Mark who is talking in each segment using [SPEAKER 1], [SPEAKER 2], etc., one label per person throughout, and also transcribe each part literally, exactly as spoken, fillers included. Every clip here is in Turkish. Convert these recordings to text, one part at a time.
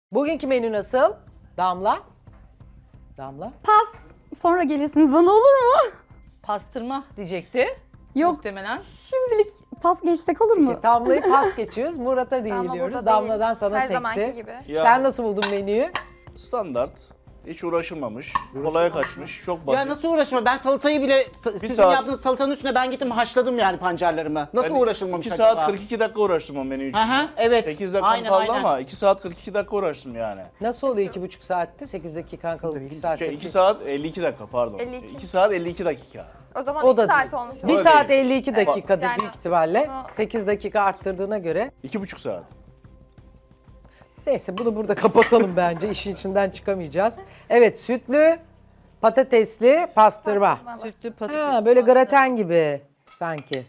[SPEAKER 1] Bugünkü menü nasıl? Damla? Damla?
[SPEAKER 2] Pas. Sonra gelirsiniz bana, olur mu?
[SPEAKER 3] Pastırma diyecekti.
[SPEAKER 2] Yok.
[SPEAKER 3] Muhtemelen.
[SPEAKER 2] Şimdilik pas geçsek olur mu?
[SPEAKER 1] Damla'yı pas geçiyoruz. Murat'a değil
[SPEAKER 4] Damla
[SPEAKER 1] diyoruz.
[SPEAKER 4] burada
[SPEAKER 1] Damla'dan
[SPEAKER 4] değil.
[SPEAKER 1] sana
[SPEAKER 4] Her
[SPEAKER 1] sekti.
[SPEAKER 4] zamanki gibi.
[SPEAKER 5] Ya,
[SPEAKER 1] Sen nasıl buldun menüyü?
[SPEAKER 5] standart. Hiç uğraşılmamış. Kolaya kaçmış. Çok basit.
[SPEAKER 6] Ya nasıl uğraşma? Ben salatayı bile sizin
[SPEAKER 5] saat-
[SPEAKER 6] yaptığınız salatanın üstüne ben gittim haşladım yani pancarlarımı. Nasıl
[SPEAKER 5] Ben
[SPEAKER 6] uğraşılmamış
[SPEAKER 5] iki
[SPEAKER 6] acaba?
[SPEAKER 5] saat kırk iki dakika uğraştım o menü için.
[SPEAKER 6] Aha, evet.
[SPEAKER 5] sekiz dakika
[SPEAKER 6] Aynen,
[SPEAKER 5] kaldı
[SPEAKER 6] aynen.
[SPEAKER 5] ama iki saat kırk iki dakika uğraştım yani.
[SPEAKER 1] Nasıl oluyor iki buçuk saatte? sekiz dakikan kalıp iki saatte.
[SPEAKER 5] Şey, iki saat elli iki dakika pardon.
[SPEAKER 4] elli iki.
[SPEAKER 5] iki saat elli iki dakika.
[SPEAKER 4] O zaman
[SPEAKER 1] O
[SPEAKER 4] iki
[SPEAKER 1] da
[SPEAKER 4] saat
[SPEAKER 1] değil.
[SPEAKER 4] olmuş
[SPEAKER 1] Bir
[SPEAKER 4] olur.
[SPEAKER 1] saat
[SPEAKER 5] değil.
[SPEAKER 1] elli iki dakikadır
[SPEAKER 4] Yani-
[SPEAKER 1] büyük ihtimalle.
[SPEAKER 4] Bunu-
[SPEAKER 1] sekiz dakika arttırdığına göre.
[SPEAKER 5] iki buçuk saat.
[SPEAKER 1] Neyse bunu burada kapatalım bence. İşin içinden çıkamayacağız. Evet, sütlü, patatesli pastırma.
[SPEAKER 3] Sütlü patates.
[SPEAKER 1] Ha, böyle graten gibi sanki.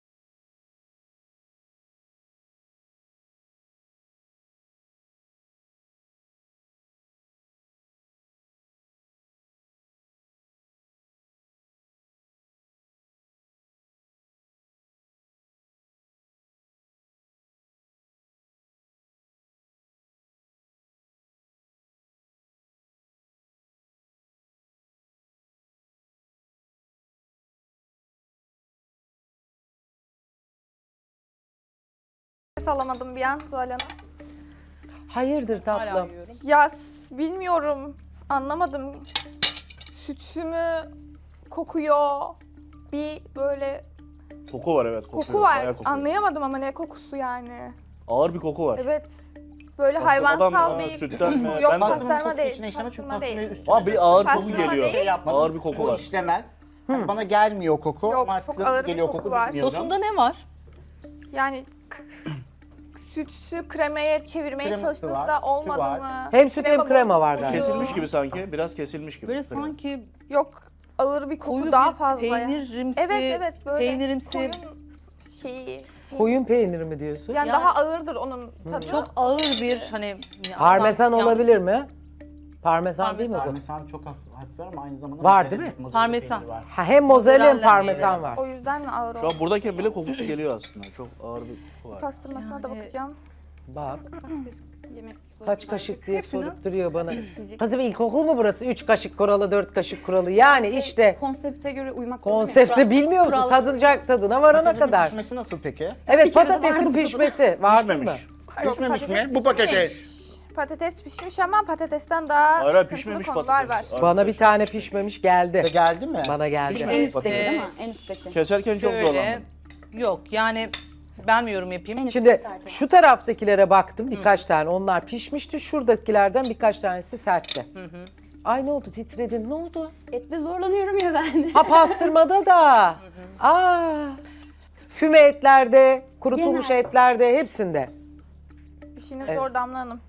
[SPEAKER 4] Nefes alamadım bir an Zuhal Hanım.
[SPEAKER 1] Hayırdır tatlım?
[SPEAKER 4] Ya s- bilmiyorum. Anlamadım. Sütü mü kokuyor? Bir böyle
[SPEAKER 5] Koku var evet. Kokuyor.
[SPEAKER 4] koku var.
[SPEAKER 5] Bayağı kokuyor.
[SPEAKER 4] Anlayamadım ama ne kokusu yani.
[SPEAKER 5] Ağır bir koku var.
[SPEAKER 4] Evet. Böyle
[SPEAKER 5] Pastırmadan
[SPEAKER 4] hayvansal
[SPEAKER 5] mı,
[SPEAKER 4] bir
[SPEAKER 5] sütten mi?
[SPEAKER 4] Yok
[SPEAKER 5] Ben de-
[SPEAKER 4] pastırma
[SPEAKER 6] kokusu
[SPEAKER 4] değil.
[SPEAKER 6] içine işlemez çünkü
[SPEAKER 4] Pastırma
[SPEAKER 6] pastırmayı
[SPEAKER 4] değil.
[SPEAKER 6] üstüne
[SPEAKER 5] Ama bir ağır koku
[SPEAKER 4] Pastırma
[SPEAKER 5] geliyor.
[SPEAKER 4] değil.
[SPEAKER 6] şey yapmadım.
[SPEAKER 5] Ağır bir koku
[SPEAKER 6] Bu
[SPEAKER 5] var.
[SPEAKER 6] işlemez. Hani bana gelmiyor koku.
[SPEAKER 4] Yok,
[SPEAKER 6] Ama
[SPEAKER 4] çok
[SPEAKER 6] size
[SPEAKER 4] ağır
[SPEAKER 6] nasıl
[SPEAKER 4] bir
[SPEAKER 6] geliyor
[SPEAKER 4] koku
[SPEAKER 6] koku
[SPEAKER 4] var.
[SPEAKER 6] bilmiyorum.
[SPEAKER 3] Sosunda ne var?
[SPEAKER 4] Yani k- sütü kremaya çevirmeye
[SPEAKER 6] Kreması
[SPEAKER 4] çalıştığınızda
[SPEAKER 6] var, sütü
[SPEAKER 4] olmadı
[SPEAKER 6] var.
[SPEAKER 4] mı?
[SPEAKER 1] Hem süt hem krema var
[SPEAKER 4] bozuldu.
[SPEAKER 1] galiba.
[SPEAKER 5] Kesilmiş gibi sanki. Biraz kesilmiş gibi.
[SPEAKER 3] Böyle sanki
[SPEAKER 4] Yok, ağır bir koku
[SPEAKER 3] koyu
[SPEAKER 4] daha
[SPEAKER 3] bir
[SPEAKER 4] fazla.
[SPEAKER 3] peynirimsi,
[SPEAKER 4] Evet evet böyle
[SPEAKER 3] peynirimsi,
[SPEAKER 4] koyun şeyi.
[SPEAKER 1] Koyun peyniri mi diyorsun?
[SPEAKER 4] Yani,
[SPEAKER 3] Yani-
[SPEAKER 4] daha ağırdır onun tadı.
[SPEAKER 3] çok ağır bir hani...
[SPEAKER 1] Parmesan
[SPEAKER 3] Yan-
[SPEAKER 1] olabilir mi? Parmesan, değil mi bu?
[SPEAKER 6] Parmesan çok hafif, hafif var ama aynı zamanda
[SPEAKER 1] Var,
[SPEAKER 6] mozzarella-
[SPEAKER 1] değil mi?
[SPEAKER 6] mozzarella
[SPEAKER 3] Parmesan.
[SPEAKER 6] peyniri var.
[SPEAKER 1] Ha, hem mozzarella hem
[SPEAKER 3] Mozzarella
[SPEAKER 1] parmesan var.
[SPEAKER 4] O yüzden mi ağır
[SPEAKER 5] Şu
[SPEAKER 4] o?
[SPEAKER 5] an buradayken bile kokusu geliyor aslında. Çok ağır bir koku var.
[SPEAKER 4] Pastırmasına da
[SPEAKER 3] Yani-
[SPEAKER 4] bakacağım.
[SPEAKER 1] Bak
[SPEAKER 2] Yemek
[SPEAKER 1] kaç kaşık diye
[SPEAKER 3] Hepsini-
[SPEAKER 1] sorup duruyor bana. Kızım ilkokul mu burası? Üç kaşık kuralı, dört kaşık kuralı. Yani işte
[SPEAKER 2] Konsepte göre uymak zorunda mıyız?
[SPEAKER 1] konsepte
[SPEAKER 2] Kural-
[SPEAKER 1] bilmiyor musun?
[SPEAKER 2] kural-
[SPEAKER 1] Tadılacak tadına varana
[SPEAKER 6] Patatesin
[SPEAKER 1] kadar.
[SPEAKER 6] pişmesi nasıl peki?
[SPEAKER 1] Evet,
[SPEAKER 2] Bir kere de
[SPEAKER 1] patatesin
[SPEAKER 2] vardı
[SPEAKER 1] pişmesi. Vardı mı?
[SPEAKER 5] Pişmemiş.
[SPEAKER 6] Pişmemiş mi?
[SPEAKER 4] patates
[SPEAKER 6] Bu patates.
[SPEAKER 4] pişmiş. Patates pişmiş ama patatesten daha
[SPEAKER 5] Hayır, hayır,
[SPEAKER 4] sıkıntılı
[SPEAKER 5] pişmemiş
[SPEAKER 4] konular
[SPEAKER 5] patates.
[SPEAKER 4] var.
[SPEAKER 1] Bana bir tane pişmemiş geldi.
[SPEAKER 6] Ve geldi mi?
[SPEAKER 1] Bana geldi.
[SPEAKER 5] Pişmemiş
[SPEAKER 2] En üstteki
[SPEAKER 5] patates.
[SPEAKER 2] değil mi? En üstteki.
[SPEAKER 5] Keserken çok
[SPEAKER 3] Şöyle,
[SPEAKER 5] zorlandım.
[SPEAKER 3] yok yani ben mi yorum yapayım?
[SPEAKER 1] Şimdi şu taraftakilere baktım birkaç tane. Onlar pişmişti. Şuradakilerden birkaç tanesi sertti. Ay ne oldu? Titredin. Ne oldu?
[SPEAKER 2] Etle zorlanıyorum ya ben.
[SPEAKER 1] Ha, pastırmada da. Aa. Füme etlerde, kurutulmuş
[SPEAKER 2] Genel.
[SPEAKER 1] etlerde, hepsinde.
[SPEAKER 4] İşiniz
[SPEAKER 1] Evet.
[SPEAKER 4] zor Damla Hanım.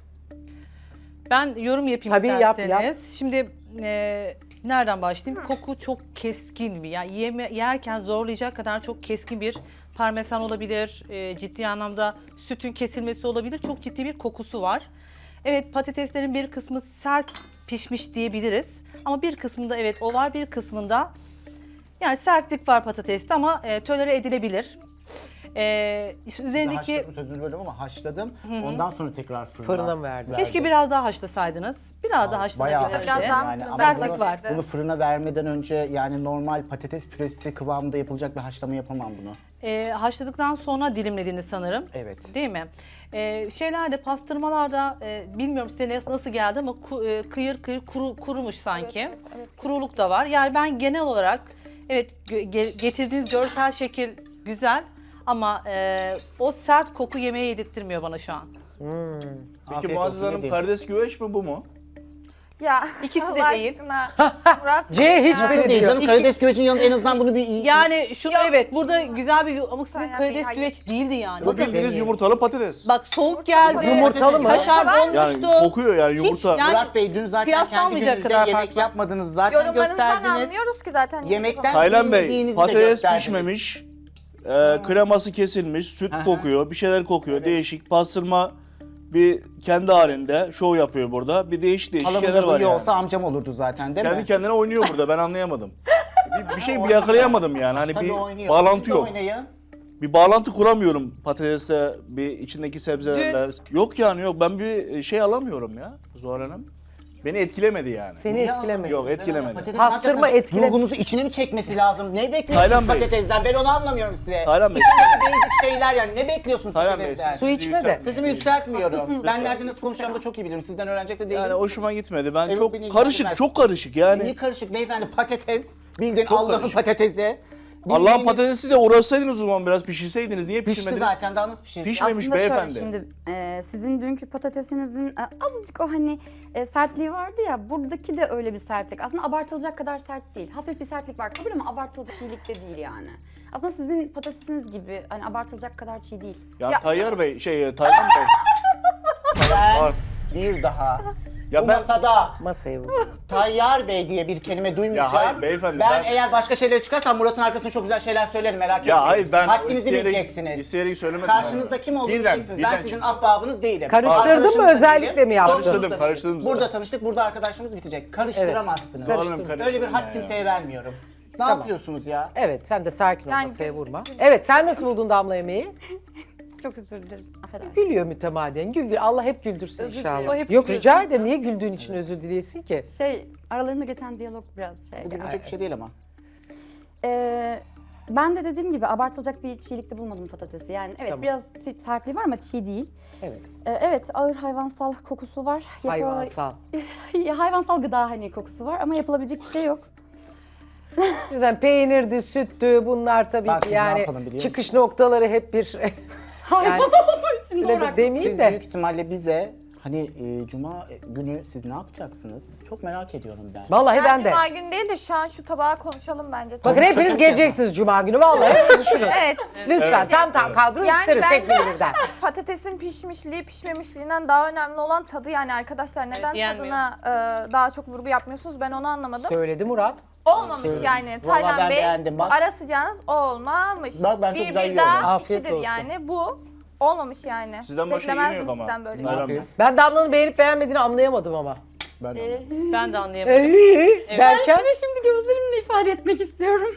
[SPEAKER 3] Ben yorum yapayım
[SPEAKER 1] Tabii, yap,
[SPEAKER 3] isterseniz.
[SPEAKER 1] yap.
[SPEAKER 3] Şimdi e, nereden başlayayım? Koku çok keskin bir. Yani yeme, yerken zorlayacak kadar çok keskin bir parmesan olabilir. E, ciddi anlamda sütün kesilmesi olabilir. Çok ciddi bir kokusu var. Evet, patateslerin bir kısmı sert pişmiş diyebiliriz. Ama bir kısmında evet o var, bir kısmında yani sertlik var patateste ama e, tolere edilebilir. E, üzerindeki
[SPEAKER 6] Haşladım, sözünü bölüyorum ama haşladım. Ondan sonra tekrar fırına,
[SPEAKER 1] Fırına mı verdin?
[SPEAKER 3] keşke biraz daha haşlasaydınız. Biraz daha
[SPEAKER 6] Bayağı
[SPEAKER 3] haşlanabilirdi.
[SPEAKER 4] Biraz daha
[SPEAKER 6] yani ama
[SPEAKER 3] sertlik
[SPEAKER 6] bunu,
[SPEAKER 3] var.
[SPEAKER 6] bunu fırına vermeden önce yani normal patates püresi kıvamında yapılacak bir haşlama yapamam bunu.
[SPEAKER 3] E, haşladıktan sonra dilimlediniz sanırım.
[SPEAKER 6] Evet.
[SPEAKER 3] Değil mi? E, şeylerde, pastırmalarda e, bilmiyorum size nasıl geldi ama ku- e, kıyır kıyır kuru, kurumuş sanki.
[SPEAKER 4] Evet, evet, evet.
[SPEAKER 3] Kuruluk da var. Yani ben genel olarak evet gö- ge- getirdiğiniz görsel şekil güzel ama e, o sert koku yemeğe yedirtmiyor bana şu an.
[SPEAKER 5] Peki
[SPEAKER 6] Afiyet
[SPEAKER 5] Muazzez
[SPEAKER 6] olsun,
[SPEAKER 5] Hanım
[SPEAKER 6] ne diyeyim?
[SPEAKER 5] karides güveç mi bu mu?
[SPEAKER 4] Ya
[SPEAKER 3] İkisi de
[SPEAKER 4] Allah
[SPEAKER 3] değil.
[SPEAKER 4] aşkına. Murat
[SPEAKER 1] C
[SPEAKER 4] Bey
[SPEAKER 1] hiç
[SPEAKER 4] ya.
[SPEAKER 1] biri
[SPEAKER 6] Nasıl değil
[SPEAKER 1] diyor.
[SPEAKER 6] canım? Karides güvecin yanında en azından bunu bir iyi...
[SPEAKER 3] Yani şunu
[SPEAKER 4] Yok.
[SPEAKER 3] evet burada güzel bir ama sizin
[SPEAKER 4] Hayır,
[SPEAKER 3] karides
[SPEAKER 4] hayır.
[SPEAKER 3] güveç değildi yani.
[SPEAKER 5] Bu bildiğiniz
[SPEAKER 1] demiyorum.
[SPEAKER 5] yumurtalı patates.
[SPEAKER 3] Bak soğuk geldi.
[SPEAKER 1] Yumurtalı mı?
[SPEAKER 3] Kaşar
[SPEAKER 4] Yani
[SPEAKER 3] donmuştu.
[SPEAKER 5] Yani kokuyor yani yumurta.
[SPEAKER 3] Hiç yani
[SPEAKER 6] Murat Bey dün zaten kendi
[SPEAKER 3] kıyaslanmayacak
[SPEAKER 6] gününüzde
[SPEAKER 3] kadar
[SPEAKER 6] yemek
[SPEAKER 3] farklı.
[SPEAKER 6] yapmadınız zaten
[SPEAKER 4] Yorumlarınızdan
[SPEAKER 6] gösterdiniz.
[SPEAKER 4] anlıyoruz ki zaten.
[SPEAKER 6] Yemekten
[SPEAKER 5] Taylan Bey
[SPEAKER 6] bilmediğinizi de
[SPEAKER 5] patates
[SPEAKER 6] gösterdiniz.
[SPEAKER 5] pişmemiş. E, kreması kesilmiş, süt
[SPEAKER 6] Aha.
[SPEAKER 5] kokuyor, bir şeyler kokuyor. Değişik pastırma bir kendi halinde şov yapıyor burada. Bir değişik değişik şeyler
[SPEAKER 6] Halamın da
[SPEAKER 5] var
[SPEAKER 6] duyuyor
[SPEAKER 5] yani.
[SPEAKER 6] olsa amcam olurdu zaten değil
[SPEAKER 5] Kendi
[SPEAKER 6] mi?
[SPEAKER 5] kendine oynuyor burada ben anlayamadım. bir, bir şey bir yakalayamadım yani hani
[SPEAKER 6] Tabii
[SPEAKER 5] bir
[SPEAKER 6] oynuyor.
[SPEAKER 5] bağlantı
[SPEAKER 6] Siz de
[SPEAKER 5] yok.
[SPEAKER 6] Oynayın.
[SPEAKER 5] bir bağlantı kuramıyorum patatesle bir içindeki sebzelerle. Yok yani yok ben bir şey alamıyorum ya Zuhal Hanım. Beni etkilemedi yani.
[SPEAKER 1] Seni
[SPEAKER 6] Niye
[SPEAKER 1] etkilemedi.
[SPEAKER 5] Yok etkilemedi.
[SPEAKER 6] Patates
[SPEAKER 1] Pastırma
[SPEAKER 6] hakikaten
[SPEAKER 1] etkile-
[SPEAKER 6] Ruhunuzu içine mi çekmesi lazım? Ne bekliyorsunuz
[SPEAKER 5] Taylan Bey.
[SPEAKER 6] patatesden? Ben onu anlamıyorum size.
[SPEAKER 5] Taylan Bey.
[SPEAKER 6] Basic şeyler yani. Ne bekliyorsunuz
[SPEAKER 5] Taylan Bey
[SPEAKER 6] patatesten?
[SPEAKER 5] siz
[SPEAKER 1] Su içme de.
[SPEAKER 5] yükseltmeyin.
[SPEAKER 6] Sesimi yükseltmiyorum.
[SPEAKER 2] Haklısınız.
[SPEAKER 6] Ben nerede nasıl konuşacağımı da çok iyi bilirim. Sizden öğrenecek de değilim.
[SPEAKER 5] Yani hoşuma gitmedi. Ben
[SPEAKER 6] Evet,
[SPEAKER 5] çok
[SPEAKER 6] beni
[SPEAKER 5] karışık,
[SPEAKER 6] ilgilendirmez.
[SPEAKER 5] çok karışık yani.
[SPEAKER 6] İyi karışık beyefendi patates. Bildiğin
[SPEAKER 5] Çok
[SPEAKER 6] Allah'ın
[SPEAKER 5] karışık.
[SPEAKER 6] patatesi.
[SPEAKER 5] Allah'ın
[SPEAKER 6] Bildiğiniz-
[SPEAKER 5] patatesi de uğraşsaydınız o zaman biraz pişirseydiniz. Niye
[SPEAKER 6] Pişti
[SPEAKER 5] pişirmediniz?
[SPEAKER 6] zaten daha nasıl pişirecek?
[SPEAKER 5] Pişmemiş
[SPEAKER 2] Aslında
[SPEAKER 5] beyefendi.
[SPEAKER 2] şöyle şimdi e, sizin dünkü patatesinizin e, azıcık o hani e, sertliği vardı ya, buradaki de öyle bir sertlik. Aslında abartılacak kadar sert değil. Hafif bir sertlik var kabul ama abartılacak çiğlik de değil yani. Aslında sizin patatesiniz gibi hani abartılacak kadar çiğ değil.
[SPEAKER 5] Ya,
[SPEAKER 4] Ya-
[SPEAKER 5] Tayyar Bey, şey Taylan Bey.
[SPEAKER 6] Ben bir daha
[SPEAKER 5] Ya
[SPEAKER 6] bu
[SPEAKER 5] ben-
[SPEAKER 6] masada
[SPEAKER 1] Masayı vur.
[SPEAKER 6] Tayyar Bey diye bir kelime duymayacağım.
[SPEAKER 5] Ya hayır beyefendi,
[SPEAKER 6] Ben,
[SPEAKER 5] ben-
[SPEAKER 6] eğer başka şeyler çıkarsam Murat'ın arkasında çok güzel şeyler söylerim merak etmeyin.
[SPEAKER 5] Ya hayır ben
[SPEAKER 6] Haddinizi
[SPEAKER 5] isteyerek,
[SPEAKER 6] bileceksiniz.
[SPEAKER 5] isteyerek söylemedim.
[SPEAKER 6] Karşınızda
[SPEAKER 5] yani.
[SPEAKER 6] kim olduğunu
[SPEAKER 5] Birden,
[SPEAKER 6] bileceksiniz.
[SPEAKER 5] birden
[SPEAKER 6] Ben sizin
[SPEAKER 5] çıktı.
[SPEAKER 6] ahbabınız değilim.
[SPEAKER 1] Karıştırdın mı,
[SPEAKER 6] Arkadaşınız da
[SPEAKER 1] özellikle
[SPEAKER 6] değilim.
[SPEAKER 1] mi yaptın?
[SPEAKER 6] Dostunuz da
[SPEAKER 5] Karıştırdım,
[SPEAKER 6] değilim.
[SPEAKER 5] karıştırdım zaten.
[SPEAKER 6] Burada tanıştık, burada arkadaşlığımız bitecek. Karıştıramazsınız.
[SPEAKER 1] Evet,
[SPEAKER 5] Hanım
[SPEAKER 1] karıştırdım.
[SPEAKER 6] Öyle bir
[SPEAKER 5] karıştırma
[SPEAKER 6] hak
[SPEAKER 5] ya.
[SPEAKER 6] kimseye vermiyorum. Ne
[SPEAKER 1] Tamam.
[SPEAKER 6] yapıyorsunuz ya?
[SPEAKER 1] Evet sen de sakin ol,
[SPEAKER 4] Yani-
[SPEAKER 1] masaya vurma. Evet sen nasıl buldun Damla yemeği?
[SPEAKER 2] Çok özür dilerim. Affedersin.
[SPEAKER 1] Gülüyor mütemadiyen. Gül gül. Allah hep güldürsün
[SPEAKER 2] Özür
[SPEAKER 1] inşallah.
[SPEAKER 2] dilerim. O hep
[SPEAKER 1] Yok
[SPEAKER 2] gülüyor.
[SPEAKER 1] rica ederim. Niye güldüğün için özür dileyesin ki?
[SPEAKER 2] Şey aralarında geçen diyalog biraz şey.
[SPEAKER 6] Bu gülünecek bir şey değil ama.
[SPEAKER 2] Ee, ben de dediğim gibi abartılacak bir çiğlikte bulmadım patatesi. Yani evet
[SPEAKER 1] Tamam.
[SPEAKER 2] biraz sertliği var ama çiğ değil.
[SPEAKER 1] Evet.
[SPEAKER 2] Ee, evet ağır hayvansal kokusu var. Yapı-
[SPEAKER 1] Hayvansal.
[SPEAKER 2] hayvansal gıda hani kokusu var ama yapılabilecek bir şey yok.
[SPEAKER 1] Yüzden peynirdi, süttü bunlar tabii
[SPEAKER 6] Bak
[SPEAKER 1] ki
[SPEAKER 6] biz ne
[SPEAKER 1] yani
[SPEAKER 6] yapalım biliyor
[SPEAKER 1] çıkış noktaları hep bir
[SPEAKER 2] Hayvan
[SPEAKER 1] yani
[SPEAKER 2] olduğu için
[SPEAKER 1] öyle
[SPEAKER 2] doğru
[SPEAKER 1] de
[SPEAKER 2] haklısın.
[SPEAKER 1] demeyeyim
[SPEAKER 6] Siz
[SPEAKER 1] de.
[SPEAKER 6] büyük ihtimalle bize hani e, cuma günü siz ne yapacaksınız? Çok merak ediyorum ben.
[SPEAKER 1] Vallahi
[SPEAKER 4] Ben
[SPEAKER 1] ben de.
[SPEAKER 4] Cuma günü değil de şu an şu tabağa konuşalım bence.
[SPEAKER 1] Bakın hepiniz geleceksiniz Cuma günü vallahi hepiniz düşünün.
[SPEAKER 4] Evet.
[SPEAKER 1] Lütfen tam tam kadro
[SPEAKER 4] Yani
[SPEAKER 1] isteriz
[SPEAKER 4] ben-
[SPEAKER 1] tek birden.
[SPEAKER 4] Patatesin pişmişliği pişmemişliğinden daha önemli olan tadı yani arkadaşlar neden
[SPEAKER 3] yenmiyor.
[SPEAKER 4] tadına e, daha çok vurgu yapmıyorsunuz ben onu anlamadım.
[SPEAKER 1] Söyledi Murat.
[SPEAKER 4] Olmamış yani
[SPEAKER 6] Vallahi
[SPEAKER 4] Taylan
[SPEAKER 6] ben
[SPEAKER 4] Bey
[SPEAKER 6] beğendim, bak.
[SPEAKER 4] ara sıcağınız o olmamış.
[SPEAKER 6] Bak ben çok
[SPEAKER 4] bir
[SPEAKER 6] güzel
[SPEAKER 4] bir
[SPEAKER 6] yiyorum.
[SPEAKER 4] daha
[SPEAKER 1] Afiyet
[SPEAKER 4] ikidir
[SPEAKER 1] olsun.
[SPEAKER 4] yani bu olmamış yani.
[SPEAKER 5] Sizden başka
[SPEAKER 4] Beklemezdim
[SPEAKER 5] yemiyor ama.
[SPEAKER 4] sizden böyle.
[SPEAKER 5] Taylan Bey.
[SPEAKER 1] Ben Damla'nın beğenip beğenmediğini anlayamadım ama.
[SPEAKER 6] Ben de
[SPEAKER 2] Ee,
[SPEAKER 3] Ben de anlayamadım.
[SPEAKER 1] Ee, derken
[SPEAKER 2] size şimdi gözlerimle ifade etmek istiyorum.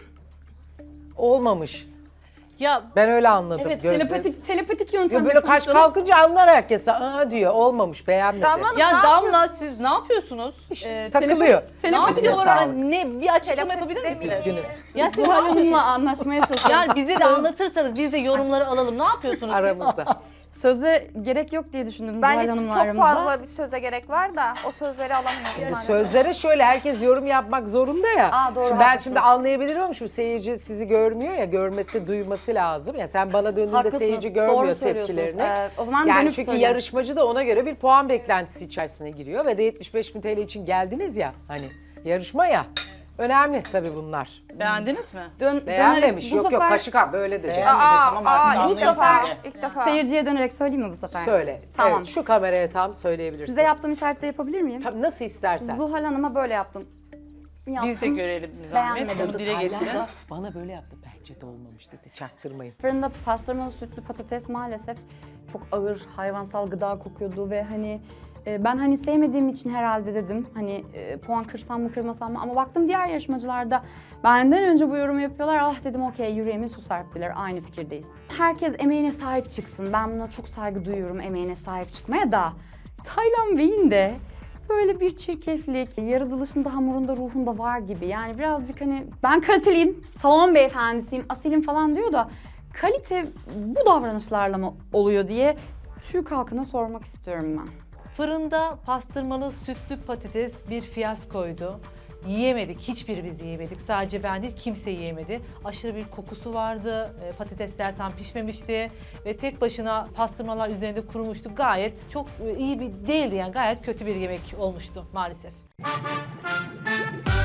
[SPEAKER 1] olmamış.
[SPEAKER 3] Ya
[SPEAKER 1] Ben öyle anladım.
[SPEAKER 2] Evet
[SPEAKER 1] gözleri.
[SPEAKER 2] telepatik telepatik
[SPEAKER 1] Ya
[SPEAKER 2] yöntemle
[SPEAKER 1] böyle kaş
[SPEAKER 2] konuşalım.
[SPEAKER 1] kalkınca anlar herkes. Aa diyor olmamış beğenmedi.
[SPEAKER 4] Damla Hanım,
[SPEAKER 3] ya
[SPEAKER 4] ne
[SPEAKER 3] Damla siz ne yapıyorsunuz?
[SPEAKER 1] İşte
[SPEAKER 2] Ee,
[SPEAKER 1] takılıyor.
[SPEAKER 3] Ne
[SPEAKER 2] Telepatik
[SPEAKER 1] Eline
[SPEAKER 3] yapıyorlar?
[SPEAKER 1] sağlık.
[SPEAKER 3] Ne bir açıklama
[SPEAKER 4] Telepati
[SPEAKER 3] yapabilir misiniz?
[SPEAKER 4] demeyin.
[SPEAKER 3] Ya siz
[SPEAKER 2] Zuhal Hanım'la anlaşmaya çalışıyoruz.
[SPEAKER 3] yani bize de anlatırsanız biz de yorumları alalım. Ne yapıyorsunuz? siz?
[SPEAKER 1] Aramızda.
[SPEAKER 2] Söze gerek yok diye düşündüm
[SPEAKER 4] Bence
[SPEAKER 2] Zuhal Hanım'la
[SPEAKER 4] çok
[SPEAKER 2] aramızda.
[SPEAKER 4] fazla bir söze gerek var da o sözleri alamıyorum maalesef.
[SPEAKER 1] Sözlere şöyle herkes yorum yapmak zorunda ya.
[SPEAKER 2] Aa, doğru,
[SPEAKER 1] şimdi ben
[SPEAKER 2] haklısın.
[SPEAKER 1] şimdi anlayabilirim ama şimdi seyirci sizi görmüyor ya görmesi duyması lazım. Ya sen bana döndüğünde
[SPEAKER 2] Haklısınız,
[SPEAKER 1] seyirci
[SPEAKER 2] doğru
[SPEAKER 1] görmüyor
[SPEAKER 2] söylüyorsunuz.
[SPEAKER 1] tepkilerini.
[SPEAKER 2] Ee, o zaman
[SPEAKER 1] yani
[SPEAKER 2] dönüp
[SPEAKER 1] çünkü
[SPEAKER 2] söyleyeyim.
[SPEAKER 1] yarışmacı da ona göre bir puan beklentisi içerisine giriyor ve de yetmiş beş bin T L için geldiniz ya hani yarışma ya. Önemli tabii bunlar.
[SPEAKER 3] Beğendiniz mi?
[SPEAKER 2] Dön,
[SPEAKER 1] Beğenmemiş.
[SPEAKER 2] dönerek- bu
[SPEAKER 1] Yok yok
[SPEAKER 2] sefer
[SPEAKER 1] kaşık abi böyle dedi.
[SPEAKER 6] Beğenmedi,
[SPEAKER 4] Aa,
[SPEAKER 6] tamam artık
[SPEAKER 4] aa, ilk
[SPEAKER 6] anlayın
[SPEAKER 4] defa,
[SPEAKER 6] siz de.
[SPEAKER 4] ilk defa.
[SPEAKER 2] Seyirciye dönerek söyleyeyim mi bu sefer?
[SPEAKER 1] Söyle.
[SPEAKER 2] Tamam.
[SPEAKER 1] Evet, şu kameraya tam söyleyebilirsin.
[SPEAKER 2] Size yaptığım işaretleri yapabilir miyim?
[SPEAKER 1] Tabii nasıl istersen.
[SPEAKER 2] Zuhal Hanım'a böyle yaptım. Yaptım.
[SPEAKER 3] Biz de görelim bir zahmet.
[SPEAKER 2] Beğenmedim.
[SPEAKER 3] Onu dile getirin.
[SPEAKER 1] Taylan da bana böyle yaptı. Bence de olmamış dedi. Çaktırmayın.
[SPEAKER 2] Fırında pastırmalı sütlü patates maalesef çok ağır hayvansal gıda kokuyordu ve hani e, ben hani sevmediğim için herhalde dedim hani e, puan kırsam mı kırmasam mı ama baktım diğer yarışmacılarda benden önce bu yorumu yapıyorlar. Ah dedim okey yüreğime su serptiler, aynı fikirdeyiz. Herkes emeğine sahip çıksın. Ben buna çok saygı duyuyorum, emeğine sahip çıkmaya da Taylan Bey'in de böyle bir çirkeflik, yaratılışında, hamurunda, ruhunda var gibi. Yani birazcık hani ben kaliteliyim, salon beyefendisiyim, asilim falan diyor da kalite bu davranışlarla mı oluyor diye Türk halkına sormak istiyorum ben.
[SPEAKER 3] Fırında pastırmalı sütlü patates bir fiyaskoydu. Yiyemedik, hiçbirimiz yiyemedik. Sadece ben değil, kimse yiyemedi. Aşırı bir kokusu vardı, e, patatesler tam pişmemişti ve tek başına pastırmalar üzerinde kurumuştu. Gayet çok e, iyi bir değildi yani, gayet kötü bir yemek olmuştu maalesef.